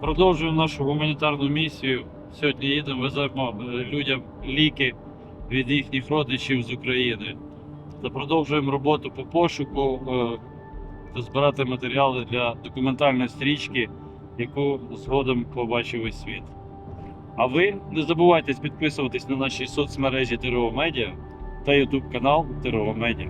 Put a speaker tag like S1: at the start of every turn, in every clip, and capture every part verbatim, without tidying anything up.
S1: Продовжуємо нашу гуманітарну місію. Сьогодні їдемо, веземо людям ліки від їхніх родичів з України. Та продовжуємо роботу по пошуку та збирати матеріали для документальної стрічки, яку згодом побачив весь світ. А ви не забувайте підписуватись на наші соцмережі ТРО Медіа та ютуб канал ТРО Медіа.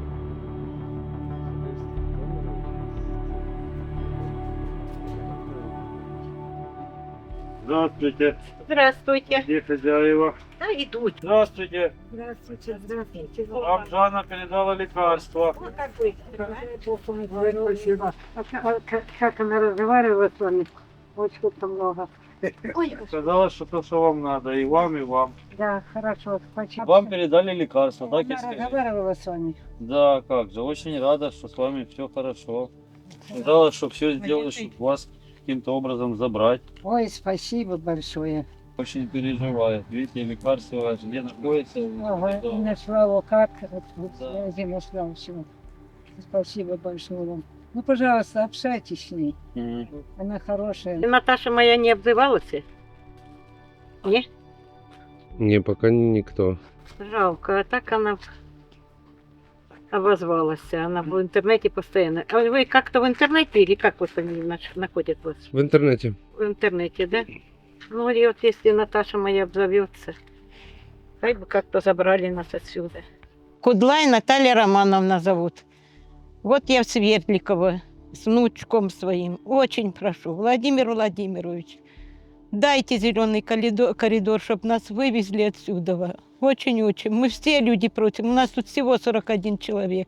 S1: Здравствуйте.
S2: Здравствуйте.
S1: Где хозяева?
S2: Да, идут.
S1: Здравствуйте.
S2: Здравствуйте, здравствуйте.
S1: Вам Жанна передала лекарства.
S2: Вот как вы.
S3: Спасибо. А как, как она разговаривала с вами? Очень много.
S2: Ой,
S1: Сказала, что то, что вам надо, и вам, и вам.
S3: Да, хорошо, спасибо.
S1: Вам передали лекарства, так и
S3: Она
S1: скажите?
S3: разговаривала с вами.
S1: Да, как же, очень рада, что с вами все хорошо. Сказала, что все сделали, чтобы вас каким-то образом забрать.
S3: Ой, спасибо большое.
S1: Очень переживает. Видите, лекарства где находятся.
S3: Ага,
S1: Да.
S3: нашла его как, вот, вот
S1: Да.
S3: связи нашла все. Спасибо большое вам. Ну, пожалуйста, общайтесь с ней.
S1: Мгм.
S3: Она хорошая.
S2: Наташа моя не обзывалась? Не?
S4: Не, пока никто.
S2: Жалко, а так она обозвалась. Она в интернете постоянно. А вы как-то в интернете или как вот они наш- находят вас?
S4: В интернете.
S2: В интернете, да? Ну и вот если Наташа моя обзовется, хай бы как-то забрали нас отсюда. Кудлай Наталья Романовна зовут. Вот я в Свердликово с внучком своим. Очень прошу, Владимир Владимирович, дайте зеленый коридор, коридор чтобы нас вывезли отсюда. Очень-очень. Мы все люди против. У нас тут всего сорок один человек.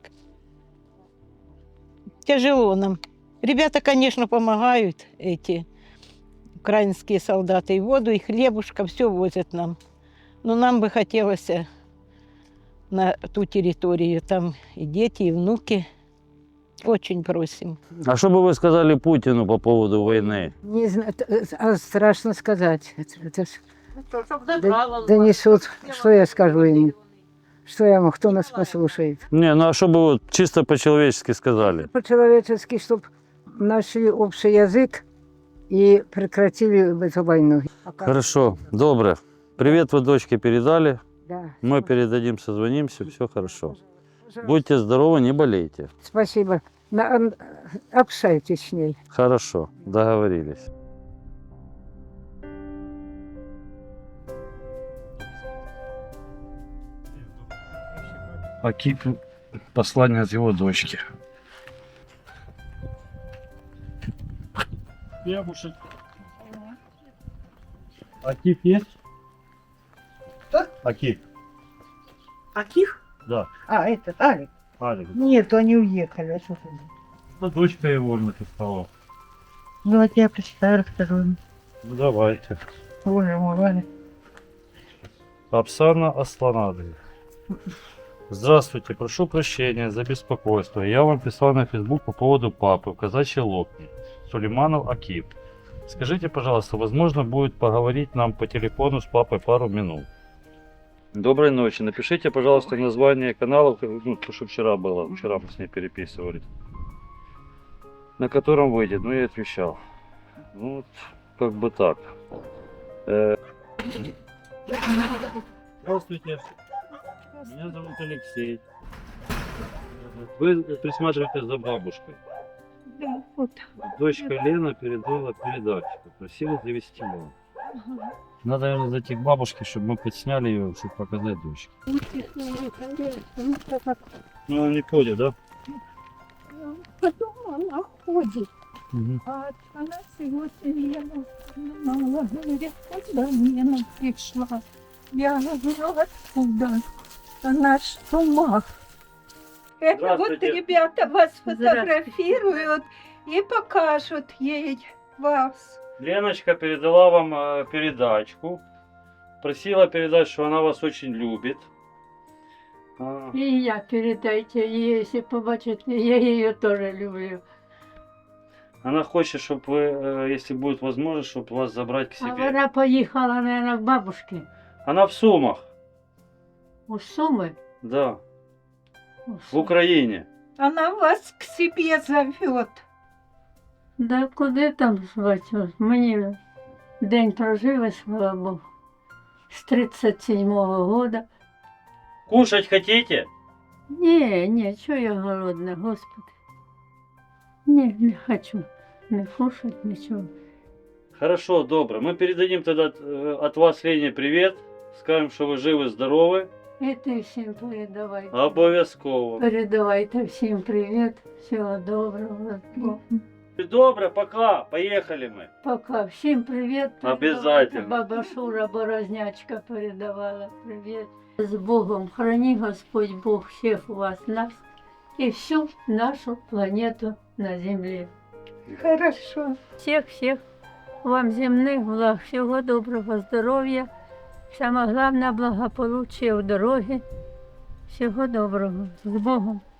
S2: Тяжело нам. Ребята, конечно, помогают, эти украинские солдаты. И воду, и хлебушка, все возят нам. Но нам бы хотелось на ту территорию. Там и дети, и внуки. Очень просим.
S1: А что бы вы сказали Путину по поводу войны?
S3: Не знаю, т- а страшно сказать. Это, это ж д- донесут, что я скажу ему. Что я ему, кто нас послушает.
S1: Не, ну а что бы вот чисто по-человечески сказали?
S3: По-человечески, чтобы нашли общий язык и прекратили эту войну.
S1: Хорошо, добро. Привет вы дочке передали.
S3: Да.
S1: Мы передадим, созвонимся, все хорошо.
S3: Пожалуйста.
S1: Будьте здоровы, не болейте.
S3: Спасибо. На- ан- общайтесь с ней.
S1: Хорошо, договорились. Акип, послание от его дочки. Бабушек. Акип есть?
S5: Что?
S1: Акип,
S5: Аких?
S1: да.
S5: А, этот, Алик.
S1: Алик.
S5: Нет, они уехали. А что ты?
S1: Ну, дочка его написала.
S5: Ну, вот я прочитаю, расскажу им.
S1: Ну, давайте.
S5: Боже мой, Валя.
S1: Оксана Асланадовна. Здравствуйте, прошу прощения за беспокойство. Я вам писал на Facebook по поводу папы в казачьей лодке. Сулейманов Акип. Скажите, пожалуйста, возможно будет поговорить нам по телефону с папой пару минут? Доброй ночи. Напишите, пожалуйста, название канала, ну, то, что вчера было. Вчера мы с ней переписывались. На котором выйдет. Ну, я отвечал. Ну, вот, как бы так. Э, Здравствуйте. Меня зовут Алексей. Вы присматриваете за бабушкой.
S2: Да, вот.
S1: Дочка Лена передала передачу. Просила завести вам. Надо, наверное, зайти к бабушке, чтобы мы подсняли ее, чтобы показать дочке. Ну, она не ходит, да?
S6: Потом она ходит,
S1: Угу.
S6: а она сегодня Лена мама говорит, куда Лена пришла? Я говорю, откуда? Она ж в умах.
S7: Это вот
S1: Здравствуйте.
S7: ребята вас фотографируют и покажут ей вас.
S1: Леночка передала вам э, передачку. Просила передать, что она вас очень любит. А,
S6: И я передайте ей, если побачите, я ее тоже люблю.
S1: Она хочет, чтобы вы, э, если будет возможность, чтобы вас забрать к
S6: А
S1: себе.
S6: вона поїхала, наверное, к бабушке.
S1: Она в Сумах,
S6: У Суми.
S1: да,
S6: У
S1: в
S6: Сумах.
S1: Украине.
S7: Она вас к себе зовет.
S6: Да куди там звати? Мені день прожили, слава Богу, з тридцять седьмого года.
S1: Кушать хотите?
S6: Ні, ні, чого я голодна, Господи. Ні, не хочу не кушать, нічого.
S1: Хорошо, добро. Мы передадим тогда э, от вас Лене привет. Скажем, что вы живы, здоровы.
S6: І ти всім передавай.
S1: Обов'язково.
S6: Передавайте всім привіт, всього доброго.
S1: Добро, пока. Поехали мы.
S6: Пока. Всім привіт.
S1: Обязательно.
S6: Баба Шура Борознячка передавала привіт. З Богом. Храни Господь Бог всіх вас, нас і всю нашу планету на землі.
S7: Хорошо.
S6: Всіх-всіх вам земних благ, всього доброго здоров'я, саме головне благополуччя в дорогі. Всього доброго. З Богом.